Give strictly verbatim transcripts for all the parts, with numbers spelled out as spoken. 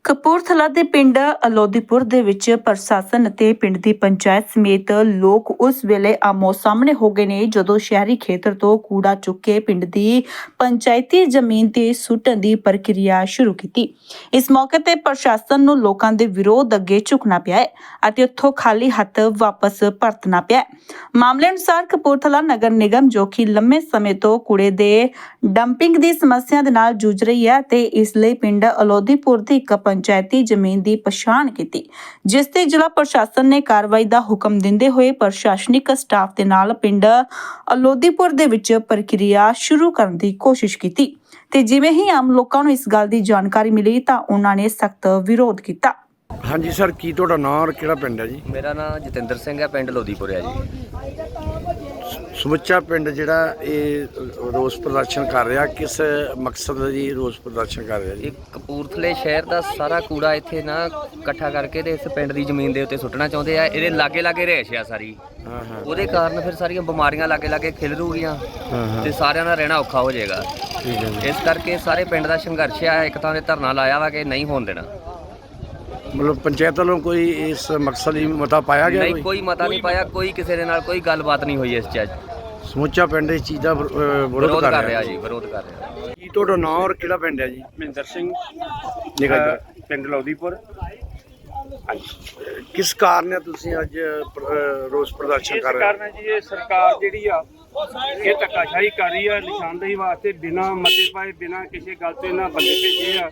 ਕਪੂਰਥਲਾ ਦੇ ਪਿੰਡ ਅਲੋਦੀਪੁਰ ਦੇ ਵਿੱਚ ਪ੍ਰਸ਼ਾਸਨ ਅਤੇ ਪਿੰਡ ਦੀ ਪੰਚਾਇਤ ਸਮੇਤ ਲੋਕ ਉਸ ਵੇਲੇ ਆਮੋ ਸਾਹਮਣੇ ਹੋ ਗਏ ਨੇ ਜਦੋਂ ਸ਼ਹਿਰੀ ਖੇਤਰ ਤੋਂ ਕੂੜਾ ਚੁੱਕ ਕੇ ਪਿੰਡ ਦੀ ਪੰਚਾਇਤੀ ਜ਼ਮੀਨ ਤੇ ਸੁੱਟਣ ਦੀ ਪ੍ਰਕਿਰਿਆ ਸ਼ੁਰੂ ਕੀਤੀ। ਇਸ ਮੌਕੇ ਤੇ ਪ੍ਰਸ਼ਾਸਨ ਨੂੰ ਲੋਕਾਂ ਦੇ ਵਿਰੋਧ ਅੱਗੇ ਝੁਕਣਾ ਪਿਆ ਹੈ ਅਤੇ ਉੱਥੋਂ ਖਾਲੀ ਹੱਥ ਵਾਪਸ ਪਰਤਣਾ ਪਿਆ। ਮਾਮਲੇ ਅਨੁਸਾਰ ਕਪੂਰਥਲਾ ਨਗਰ ਨਿਗਮ ਜੋ ਕਿ ਲੰਮੇ ਸਮੇਂ ਤੋਂ ਕੂੜੇ ਦੇ ਡੰਪਿੰਗ ਦੀ ਸਮੱਸਿਆ ਦੇ ਨਾਲ ਜੂਝ ਰਹੀ ਹੈ ਤੇ ਇਸ ਲਈ ਪਿੰਡ ਅਲੋਦੀਪੁਰ ਦੀ ਇੱਕ ਪੰਚਾਇਤੀ ਜ਼ਮੀਨ ਦੀ ਪਛਾਣ ਕੀਤੀ, ਜਿਸ ਤੇ ਜ਼ਿਲ੍ਹਾ ਪ੍ਰਸ਼ਾਸਨ ਨੇ ਕਾਰਵਾਈ ਦਾ ਹੁਕਮ ਦਿੰਦੇ ਹੋਏ ਪ੍ਰਸ਼ਾਸਨਿਕ ਸਟਾਫ ਦੇ ਨਾਲ ਪਿੰਡ ਅਲੋਦੀਪੁਰ ਦੇ ਵਿੱਚ ਪ੍ਰਕਿਰਿਆ ਸ਼ੁਰੂ ਕਰਨ ਦੀ ਕੋਸ਼ਿਸ਼ ਕੀਤੀ ਤੇ ਜਿਵੇਂ ਹੀ ਆਮ ਲੋਕਾਂ ਨੂੰ ਇਸ ਗੱਲ ਦੀ ਜਾਣਕਾਰੀ ਮਿਲੀ ਤਾਂ ਉਹਨਾਂ ਨੇ ਸਖਤ ਵਿਰੋਧ ਕੀਤਾ। ਹਾਂਜੀ ਸਰ, ਕੀ ਤੁਹਾਡਾ ਨਾਮ ਔਰ ਕਿਹੜਾ ਪਿੰਡ ਹੈ ਜੀ? ਮੇਰਾ ਨਾਮ ਜਤਿੰਦਰ ਸਿੰਘ ਹੈ, ਪਿੰਡ ਲੋਦੀਪੁਰ ਹੈ ਜੀ। ਸਮੁੱਚਾ ਪਿੰਡ ਜਿਹੜਾ ਇਹ ਰੋਸ ਪ੍ਰਦਰਸ਼ਨ ਕਰ ਰਿਹਾ, ਕਿਸ ਮਕਸਦ ਲਈ ਰੋਸ ਪ੍ਰਦਰਸ਼ਨ ਕਰ ਰਿਹਾ ਜੀ? ਇਹ ਕਪੂਰਥਲੇ ਸ਼ਹਿਰ ਦਾ ਸਾਰਾ ਕੂੜਾ ਇੱਥੇ ਨਾ ਇਕੱਠਾ ਕਰਕੇ ਤੇ ਇਸ ਪਿੰਡ ਦੀ ਜ਼ਮੀਨ ਦੇ ਉੱਤੇ ਸੁੱਟਣਾ ਚਾਹੁੰਦੇ ਆ। ਇਹਦੇ ਲਾਗੇ ਲਾਗੇ ਰਹਿਸ਼ ਆ ਸਾਰੀ, ਹਾਂ ਹਾਂ, ਉਹਦੇ ਕਾਰਨ ਫਿਰ ਸਾਰੀਆਂ ਬਿਮਾਰੀਆਂ ਲਾਗੇ ਲਾਗੇ ਖਿਲਰੂਗੀਆਂ ਤੇ ਸਾਰਿਆਂ ਦਾ ਰਹਿਣਾ ਔਖਾ ਹੋ ਜਾਏਗਾ। ਠੀਕ ਹੈ ਜੀ। ਇਸ ਕਰਕੇ ਸਾਰੇ ਪਿੰਡ ਦਾ ਸੰਘਰਸ਼ ਆ, ਇੱਕ ਤਾਂ ਦੇ ਧਰਨਾ ਲਾਇਆ ਵਾ ਕਿ ਨਹੀਂ ਹੋਣ ਦੇਣਾ। ਮਤਲਬ ਪੰਚਾਇਤ ਵੱਲੋਂ ਕੋਈ ਇਸ ਮਕਸਦ ਲਈ ਮਤਾ ਪਾਇਆ ਗਿਆ? ਨਹੀਂ, ਕੋਈ ਮਤਾ ਨਹੀਂ ਪਾਇਆ, ਕੋਈ ਕਿਸੇ ਦੇ ਨਾਲ ਕੋਈ ਗੱਲਬਾਤ ਨਹੀਂ ਹੋਈ। ਇਸ ਚ ਸਮੁੱਚਾ ਪਿੰਡ ਇਸ ਚੀਜ਼ ਦਾ ਵਿਰੋ- ਅਹ ਵਿਰੋਧ ਕਰ ਰਿਹਾ ਜੀ, ਵਿਰੋਧ ਕਰ ਰਿਹਾ। ਕੀ ਤੁਹਾਡਾ ਨਾਮ ਔਰ ਕਿਹੜਾ ਪਿੰਡ ਹੈ ਜੀ? ਮਹਿੰਦਰ ਸਿੰਘ, ਨਿਕਲ ਅ, ਪਿੰਡ ਲੋਦੀਪੁਰ। ਕਿਸ ਕਾਰਨ ਹੈ ਤੁਸੀਂ ਅੱਜ ਪ੍ਰ- ਅਹ ਰੋਸ ਪ੍ਰਦਰਸ਼ਨ ਇਸ ਕਰ ਰਹੇ ਕਾਰਨ ਜੀ ਇਹ ਸਰਕਾਰ ਜਿਹੜੀ ਆ ਇਹ ਧੱਕਾਸ਼ਾਹੀ ਕਰ ਰਹੀ ਆ, ਨਿਸ਼ਾਨਦੇਹੀ ਵਾਸਤੇ ਬਿਨਾਂ ਮਤੇ ਪਾਏ, ਬਿਨਾਂ ਕਿਸੇ ਗੱਲ ਤੋਂ ਇਹਨਾਂ ਬੰਦੇ ਭੇਜੇ ਆ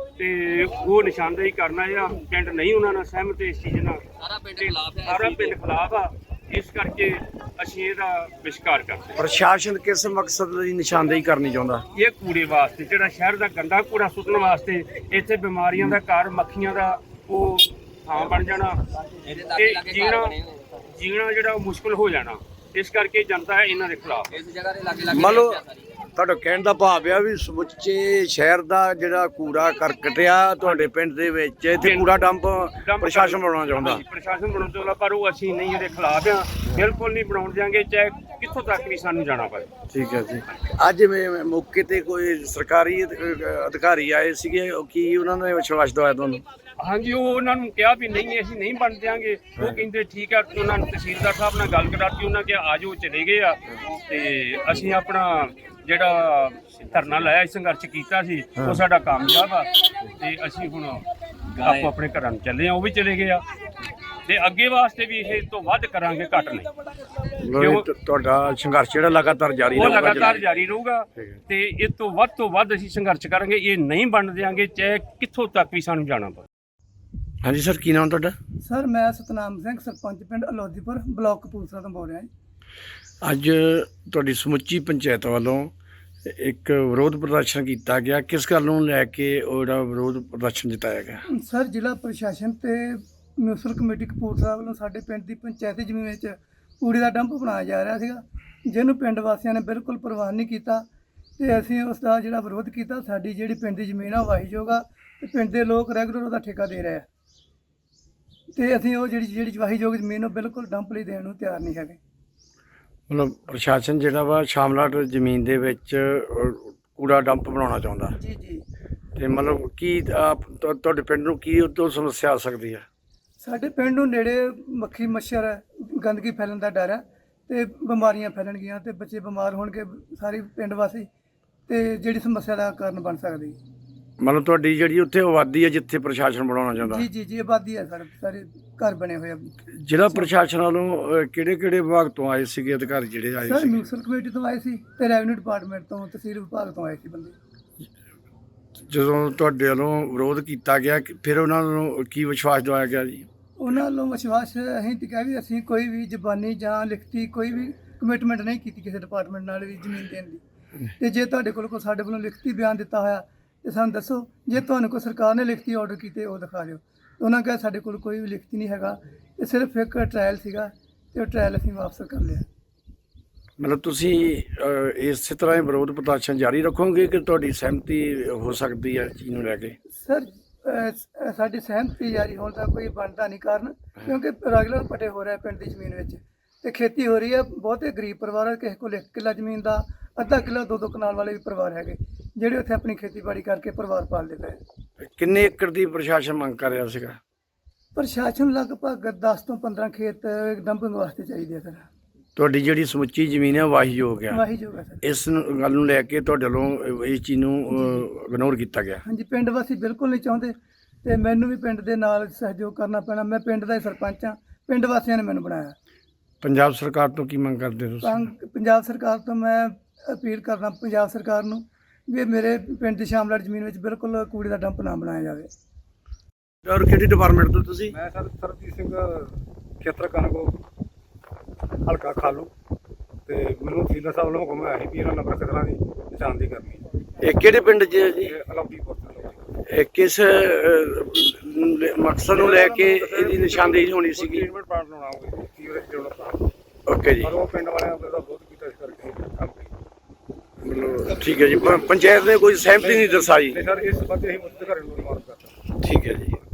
ਤੇ ਉਹ ਨਿਸ਼ਾਨਦੇਹੀ ਕਰਨਾ ਆ। ਪਿੰਡ ਨਹੀਂ ਉਹਨਾਂ ਨਾਲ ਸਹਿਮਤ ਇਸ ਚੀਜ਼ ਨਾਲ, ਸਾਰਾ ਪਿੰਡ ਖਿਲਾਫ ਹੈ, ਸਾਰਾ ਪਿੰਡ ਖਿਲਾਫ ਆ। ਇਸ ਕਰਕੇ ਅਸੀਂ ਇਹਦਾ ਵਿਸ਼ਕਾਰ ਕਰਦੇ ਹਾਂ। ਪ੍ਰਸ਼ਾਸਨ ਕਿਸ ਮਕਸਦ ਲਈ ਨਿਸ਼ਾਨਦੇਹੀ ਕਰਨੀ ਚਾਹੁੰਦਾ? ਇਹ ਕੂੜੇ ਵਾਸਤੇ, ਜਿਹੜਾ ਸ਼ਹਿਰ ਦਾ ਗੰਦਾ ਕੂੜਾ ਸੁੱਟਣ ਵਾਸਤੇ, ਇੱਥੇ ਬਿਮਾਰੀਆਂ ਦਾ ਘਰ, ਮੱਖੀਆਂ ਦਾ ਉਹ ਥਾਂ ਬਣ ਜਾਣਾ ਤੇ ਜੀਣਾ ਜੀਣਾ ਜਿਹੜਾ ਉਹ ਮੁਸ਼ਕਲ ਹੋ ਜਾਣਾ। ਇਸ ਕਰਕੇ ਜਨਤਾ ਹੈ ਇਹਨਾਂ ਦੇ ਖਿਲਾਫ। ਇਸ ਜਗ੍ਹਾ ਦੇ ਲਾਗੇ ਲਾਗੇ ਮੰਨ ਲਓ ਤੁਹਾਡਾ ਕਹਿਣ ਦਾ ਭਾਵ ਆ ਵੀ ਸਮੁੱਚੇ ਸ਼ਹਿਰ ਦਾ ਜਿਹੜਾ ਕੂੜਾ ਕਰਕਟ ਆ ਤੁਹਾਡੇ ਪਿੰਡ ਦੇ ਵਿੱਚ, ਇੱਥੇ ਕੂੜਾ ਡੰਪ ਪ੍ਰਸ਼ਾਸਨ ਬਣਾਉਣਾ ਚਾਹੁੰਦਾ। ਹਾਂਜੀ, ਪ੍ਰਸ਼ਾਸਨ ਬਣਾਉਣਾ ਚਾਹੁੰਦਾ, ਪਰ ਉਹ ਅਸੀਂ ਨਹੀਂ ਇਹਦੇ ਖਿਲਾਫ ਆ, ਬਿਲਕੁਲ ਨਹੀਂ ਬਣਾਉਣ ਦਿਆਂਗੇ, ਚਾਹੇ ਕਿੱਥੋਂ ਤੱਕ ਵੀ ਸਾਨੂੰ ਜਾਣਾ ਪਵੇ। ਠੀਕ ਹੈ ਜੀ। ਅੱਜ ਮੈਂ ਮੌਕੇ ਤੇ ਕੋਈ ਸਰਕਾਰੀ ਅਧ- ਅਧਿਕਾਰੀ ਆਏ ਸੀਗੇ, ਉਹ ਕੀ ਉਹਨਾਂ ਨੇ ਵਿਸ਼ਵਾਸ ਦਵਾਇਆ ਤੁਹਾਨੂੰ? ਹਾਂਜੀ, ਉਹ ਉਹਨਾਂ ਨੂੰ ਕਿਹਾ ਵੀ ਨਹੀਂ ਅਸੀਂ ਨਹੀਂ ਬਣ ਦਿਆਂਗੇ। ਉਹ ਕਹਿੰਦੇ ਠੀਕ ਆ। ਉਹਨਾਂ ਨੂੰ ਤਹਿਸੀਲਦਾਰ ਸਾਹਿਬ ਨਾਲ ਗੱਲ ਕਰਾਤੀ, ਉਹਨਾਂ ਕਿਹਾ ਆ ਜਾਓ, ਚਲੇ ਗਏ ਆ। ਤੇ ਅਸੀਂ ਆਪਣਾ ਜਿਹੜਾ ਧਰਨਾ ਲਾਇਆ, ਸੰਘਰਸ਼ ਕੀਤਾ ਸੀ, ਉਹ ਸਾਡਾ ਕਾਮਯਾਬ ਆ ਤੇ ਅਸੀਂ ਹੁਣ ਆਪੋ ਆਪਣੇ ਘਰਾਂ ਨੂੰ ਚੱਲੇ ਆ। ਉਹ ਵੀ ਚਲੇ ਗਏ ਆ ਤੇ ਅੱਗੇ ਵਾਸਤੇ ਵੀ ਇਹ ਤੋਂ ਵੱਧ ਕਰਾਂਗੇ, ਘੱਟ ਨਹੀਂ। ਮਤਲਬ ਤੁ- ਤੁਹਾਡਾ ਸੰਘਰਸ਼ ਜਿਹੜਾ ਲਗਾਤਾਰ ਜਾਰੀ ਉਹ ਰਹੂਗਾ? ਲਗਾਤਾਰ ਜਾਰੀ ਰਹੂਗਾ ਤੇ ਇਸ ਤੋਂ ਵੱਧ ਤੋਂ ਵੱਧ ਅਸੀਂ ਸੰਘਰਸ਼ ਕਰਾਂਗੇ। ਇਹ ਨਹੀਂ ਬਣ ਦਿਆਂਗੇ, ਚਾਹੇ ਕਿੱਥੋਂ ਤੱਕ ਵੀ ਸਾਨੂੰ ਜਾਣਾ ਪਵੇ। ਹਾਂਜੀ ਸਰ, ਕੀ ਨਾਮ ਤੁਹਾਡਾ? ਸਰ, ਮੈਂ ਸਤਨਾਮ ਸਿੰਘ, ਸਰਪੰਚ ਪਿੰਡ ਅਲੋਦੀਪੁਰ, ਬਲਾਕ ਕਪੂਰਥਲਾ ਤੋਂ ਬੋਲ ਰਿਹਾ ਜੀ। ਅੱਜ ਤੁਹਾਡੀ ਸਮੁੱਚੀ ਪੰਚਾਇਤ ਵੱਲੋਂ ਇੱਕ ਵਿਰੋਧ ਪ੍ਰਦਰਸ਼ਨ ਕੀਤਾ ਗਿਆ, ਕਿਸ ਗੱਲ ਨੂੰ ਲੈ ਕੇ ਉਹ ਜਿਹੜਾ ਵਿਰੋਧ ਪ੍ਰਦਰਸ਼ਨ ਜਤਾਇਆ ਗਿਆ? ਸਰ, ਜ਼ਿਲ੍ਹਾ ਪ੍ਰਸ਼ਾਸਨ ਤੇ ਮਿਊਨਿਸਪਲ ਕਮੇਟੀ ਕਪੂਰਥਲਾ ਵੱਲੋਂ ਸਾਡੇ ਪਿੰਡ ਦੀ ਪੰਚਾਇਤੀ ਜ਼ਮੀਨ ਵਿੱਚ ਕੂੜੇ ਦਾ ਡੰਪ ਬਣਾਇਆ ਜਾ ਰਿਹਾ ਸੀਗਾ, ਜਿਹਨੂੰ ਪਿੰਡ ਵਾਸੀਆਂ ਨੇ ਬਿਲਕੁਲ ਪ੍ਰਵਾਨ ਨਹੀਂ ਕੀਤਾ ਤੇ ਅਸੀਂ ਉਸ ਦਾ ਜਿਹੜਾ ਵਿਰੋਧ ਕੀਤਾ। ਸਾਡੀ ਜਿਹੜੀ ਪਿੰਡ ਦੀ ਜ਼ਮੀਨ ਆ ਵਾਹੀਯੋਗ ਆ ਤੇ ਪਿੰਡ ਦੇ ਲੋਕ ਰੈਗੂਲਰ ਉਹਦਾ ਠੇਕਾ ਦੇ ਰਹੇ ਆ ਤੇ ਅਸੀਂ ਉਹ ਜਿਹੜੀ ਜਿਹੜੀ ਵਾਹੀਯੋਗ ਜ਼ਮੀਨ ਉਹ ਬਿਲਕੁਲ ਡੰਪ ਲਈ ਦੇਣ ਨੂੰ ਤਿਆਰ ਨਹੀਂ ਹੈਗੇ। ਮਤਲਬ ਪ੍ਰਸ਼ਾਸਨ ਜਿਹੜਾ ਵਾ ਸ਼ਾਮਲਾਟ ਜ਼ਮੀਨ ਦੇ ਵਿੱਚ ਅਹ, ਕੂੜਾ ਡੰਪ ਬਣਾਉਣਾ ਚਾਹੁੰਦਾ ਜੀ ਜੀ। ਤੇ ਮਤਲਬ ਕੀ ਆਪ ਤੁਹਾ- ਤੁਹਾਡੇ ਪਿੰਡ ਨੂੰ ਕੀ ਉਹ ਤੋਂ ਸਮੱਸਿਆ ਆ ਸਕਦੀ ਹੈ? ਸਾਡੇ ਪਿੰਡ ਨੂੰ ਨੇੜੇ ਮੱਖੀ ਮੱਛਰ ਹੈ, ਗੰਦਗੀ ਫੈਲਣ ਦਾ ਡਰ ਹੈ ਤੇ ਬਿਮਾਰੀਆਂ ਫੈਲਣਗੀਆਂ ਤੇ ਬੱਚੇ ਬਿਮਾਰ ਹੋਣਗੇ, ਸਾਰੇ ਪਿੰਡ ਵਾਸੀ, ਤੇ ਜਿਹੜੀ ਸਮੱਸਿਆ ਦਾ ਕਾਰਨ ਬਣ ਸਕਦੀ। ਮਤਲਬ ਤੁਹਾਡੀ ਜਿਹੜੀ ਉੱਥੇ ਆਬਾਦੀ ਹੈ ਜਿੱਥੇ ਪ੍ਰਸ਼ਾਸਨ ਬਣਾਉਣਾ ਚਾਹੁੰਦਾ? ਜੀ ਜੀ ਜੀ, ਆਬਾਦੀ ਹੈ, ਸਾਡੇ ਸਾਰੇ ਘਰ ਬਣੇ ਹੋਏ ਆ। ਜ਼ਿਲ੍ਹਾ ਪ੍ਰਸ਼ਾਸਨ ਵੱਲੋਂ ਕਿਹੜੇ ਕਿਹੜੇ ਵਿਭਾਗ ਤੋਂ ਆਏ ਸੀਗੇ ਅਧਿਕਾਰੀ ਜਿਹੜੇ ਆਏ ਸਰ, ਸੀ? ਮਿਊਨਿਸਪਲ ਕਮੇਟੀ ਤੋਂ ਆਏ ਸੀ ਤੇ ਰੈਵਨਿਊ ਡਿਪਾਰਟਮੈਂਟ ਤੋਂ, ਤਹਿਸੀਲ ਵਿਭਾਗ ਤੋਂ ਆਏ ਸੀ ਬੰਦੇ। ਜਦੋਂ ਤੁਹਾਡੇ ਵੱਲੋਂ ਵਿਰੋਧ ਕੀਤਾ ਗਿਆ ਕਿ ਫਿਰ ਉਹਨਾਂ ਨੂੰ ਕੀ ਵਿਸ਼ਵਾਸ ਦਿਵਾਇਆ ਗਿਆ ਜੀ? ਉਹਨਾਂ ਵੱਲੋਂ ਵਿਸ਼ਵਾਸ ਅਸੀਂ ਤੇ ਕਿਹਾ ਵੀ ਅਸੀਂ ਕੋਈ ਵੀ ਜ਼ਬਾਨੀ ਜਾਂ ਲਿਖਤੀ ਕੋਈ ਵੀ ਕਮਿਟਮੈਂਟ ਨਹੀਂ ਕੀਤੀ ਕਿਸੇ ਡਿਪਾਰਟਮੈਂਟ ਨਾਲ ਵੀ ਜ਼ਮੀਨ ਦੇਣ ਦੀ। ਤੇ ਜੇ ਤੁਹਾਡੇ ਕੋਲ ਕੋਈ ਸਾਡੇ ਵੱਲੋਂ ਲਿਖਤੀ ਬਿਆਨ ਦਿੱਤਾ ਹੋਇਆ ਤੇ ਸਾਨੂੰ ਦੱਸੋ, ਜੇ ਤੁਹਾਨੂੰ ਕੋਈ ਸਰਕਾਰ ਨੇ ਲਿਖਤੀ ਆਰਡਰ ਕੀਤੇ ਉਹ ਦਿਖਾ ਦਿਓ। ਉਹਨਾਂ ਕਿਹਾ ਸਾਡੇ ਕੋਲ ਕੋਈ ਵੀ ਲਿਖਤੀ ਨਹੀਂ ਹੈਗਾ, ਇਹ ਸਿਰਫ ਇੱਕ ਟ੍ਰਾਇਲ ਸੀਗਾ ਤੇ ਉਹ ਟ੍ਰਾਇਲ ਅਸੀਂ ਵਾਪਸ ਕਰ ਲਿਆ। ਮਤਲਬ ਤੁਸੀਂ ਅਹ, ਇਸੇ ਤਰ੍ਹਾਂ ਹੀ ਵਿਰੋਧ ਪ੍ਰਦਰਸ਼ਨ ਜਾਰੀ ਰੱਖੋਗੇ ਕਿ ਤੁਹਾਡੀ ਸਹਿਮਤੀ ਹੋ ਸਕਦੀ ਹੈ ਚੀਜ਼ ਨੂੰ ਲੈ ਕੇ? ਸਰ, ਅਹ, ਸ- ਸਾਡੀ ਸਹਿਮਤੀ ਜਾਰੀ ਹੋਣ ਦਾ ਕੋਈ ਬਣਦਾ ਨਹੀਂ ਕਾਰਨ, ਕਿਉਂਕਿ ਰੈਗੂਲਰ ਪਟੇ ਹੋ ਰਿਹਾ ਪਿੰਡ ਦੀ ਜ਼ਮੀਨ ਵਿੱਚ ਤੇ ਖੇਤੀ ਹੋ ਰਹੀ ਹੈ। ਬਹੁਤੇ ਗਰੀਬ ਪਰਿਵਾਰ ਹੈ, ਕਿਸੇ ਕੋਲ ਇੱਕ ਕਿੱਲਾ ਜ਼ਮੀਨ ਦਾ, ਅੱਧਾ ਕਿੱਲਾ, ਦੋ ਦੋ ਕਨਾਲ ਵਾਲੇ ਵੀ ਪਰਿਵਾਰ ਹੈਗੇ ਜਿਹੜੇ ਉੱਥੇ ਆਪਣੀ ਖੇਤੀਬਾੜੀ ਕਰਕੇ ਪਰਿਵਾਰ ਪਾਲਦੇ ਪਏ। ਕਿੰਨੇ ਏਕੜ ਦੀ ਪ੍ਰਸ਼ਾਸਨ ਮੰਗ ਕਰ ਰਿਹਾ ਸੀਗਾ? ਪ੍ਰਸ਼ਾਸਨ ਲਗਭਗ ਦਸ ਤੋਂ ਪੰਦਰਾਂ ਖੇਤ ਡੰਪਿੰਗ ਵਾਸਤੇ ਚਾਹੀਦੇ ਆ ਸਰ। ਤੁਹਾਡੀ ਜਿਹੜੀ ਸਮੁੱਚੀ ਜ਼ਮੀਨ ਹੈ ਵਾਹੀਯੋਗ ਆ, ਵਾਹੀ ਜੋਗਾ ਸਰ। ਇਸ ਨੂੰ- ਗੱਲ ਨੂੰ ਲੈ ਕੇ ਤੁਹਾਡੇ ਵੱਲੋਂ ਇਸ ਚੀਜ਼ ਨੂੰ ਇਗਨੋਰ ਕੀਤਾ ਗਿਆ। ਹਾਂਜੀ, ਪਿੰਡ ਵਾਸੀ ਬਿਲਕੁਲ ਨਹੀਂ ਚਾਹੁੰਦੇ ਤੇ ਮੈਨੂੰ ਵੀ ਪਿੰਡ ਦੇ ਨਾਲ ਸਹਿਯੋਗ ਕਰਨਾ ਪੈਣਾ। ਮੈਂ ਪਿੰਡ ਦਾ ਹੀ ਸਰਪੰਚ ਹਾਂ, ਪਿੰਡ ਵਾਸੀਆਂ ਨੇ ਮੈਨੂੰ ਬਣਾਇਆ। ਪੰਜਾਬ ਸਰਕਾਰ ਤੋਂ ਕੀ ਮੰਗ ਕਰਦੇ ਹੋ ਤੁਸੀਂ? ਤਾਂ ਪੰਜਾਬ ਸਰਕਾਰ ਤੋਂ ਮੈਂ ਅਪੀਲ ਕਰਦਾ ਪੰਜਾਬ ਸਰਕਾਰ ਨੂੰ ਵੀ ਇਹ ਮੇਰੇ ਪਿੰਡ ਦੀ ਸ਼ਾਮਲਾਟ ਜ਼ਮੀਨ ਵਿੱਚ ਬਿਲਕੁਲ ਕੂੜੇ ਦਾ ਡੰਪ ਨਾ ਬਣਾਇਆ ਜਾਵੇ। ਔਰ ਕਿਹੜੀ ਡਿਪਾਰਟਮੈਂਟ ਤੋਂ ਤੁਸੀਂ? ਮੈਂ ਸਰ ਸਰਬਜੀਤ ਸਿੰਘ, ਖੇਤਰ ਕਨਗੋ, ਹਲਕਾ ਖਾਲੂ, ਤੇ ਮੈਨੂੰ ਤਹਿਸੀਲਦਾਰ ਸਾਹਿਬ ਵੱਲੋਂ ਹੁਕਮ ਆਇਆ ਸੀ ਵੀ ਇਹਨਾਂ ਨੰਬਰ ਖਤਰਾਂ ਦੀ ਨਿਸ਼ਾਨਦੇਹੀ ਕਰਨੀ। ਇਹ ਕਿਹੜੇ ਪਿੰਡ 'ਚ ਹੈ ਜੀ? ਇਹ ਅਲੌਕੀਪੁਰ ਤੋਂ ਇਹ ਕਿਸ ਅਹ, ਮਕਸਦ ਨੂੰ ਲੈ ਕੇ ਇਹਦੀ ਨਿਸ਼ਾਨਦੇਹੀ ਹੋਣੀ ਸੀਗੀ? ਟ੍ਰੀਟਮੈਂਟ ਪਲਾਂਟ ਲਾਉਣਾ ਹੋਵੇ, ਸੀਵਰੇਜ ਡਿਵੈਲਪ ਪਲਾਂਟ, ਓਕੇ ਜੀ, ਪਰ ਉਹ ਪਿੰਡ ਵਾਲਿਆਂ ਨੇ ਉਹਦਾ ਬਹੁਤ ਕੀਤਾ, ਇਸ ਕਰਕੇ ਕੰਮ ਕੀਤਾ। ਮਤਲਬ ਠੀਕ ਹੈ ਜੀ। ਪ- ਪੰਚਾਇਤ ਨੇ ਕੋਈ ਸਹਿਮਤੀ ਨਹੀਂ ਦਰਸਾਈ? ਤੇ ਸਰ ਇਸ ਸੰਬੰਧੀ ਅਸੀਂ ਮੁੱਖ ਅਧਿਕਾਰੀ ਨੂੰ ਰਿਮਾਰਕ ਕਰਤਾ। ਠੀਕ ਹੈ ਜੀ।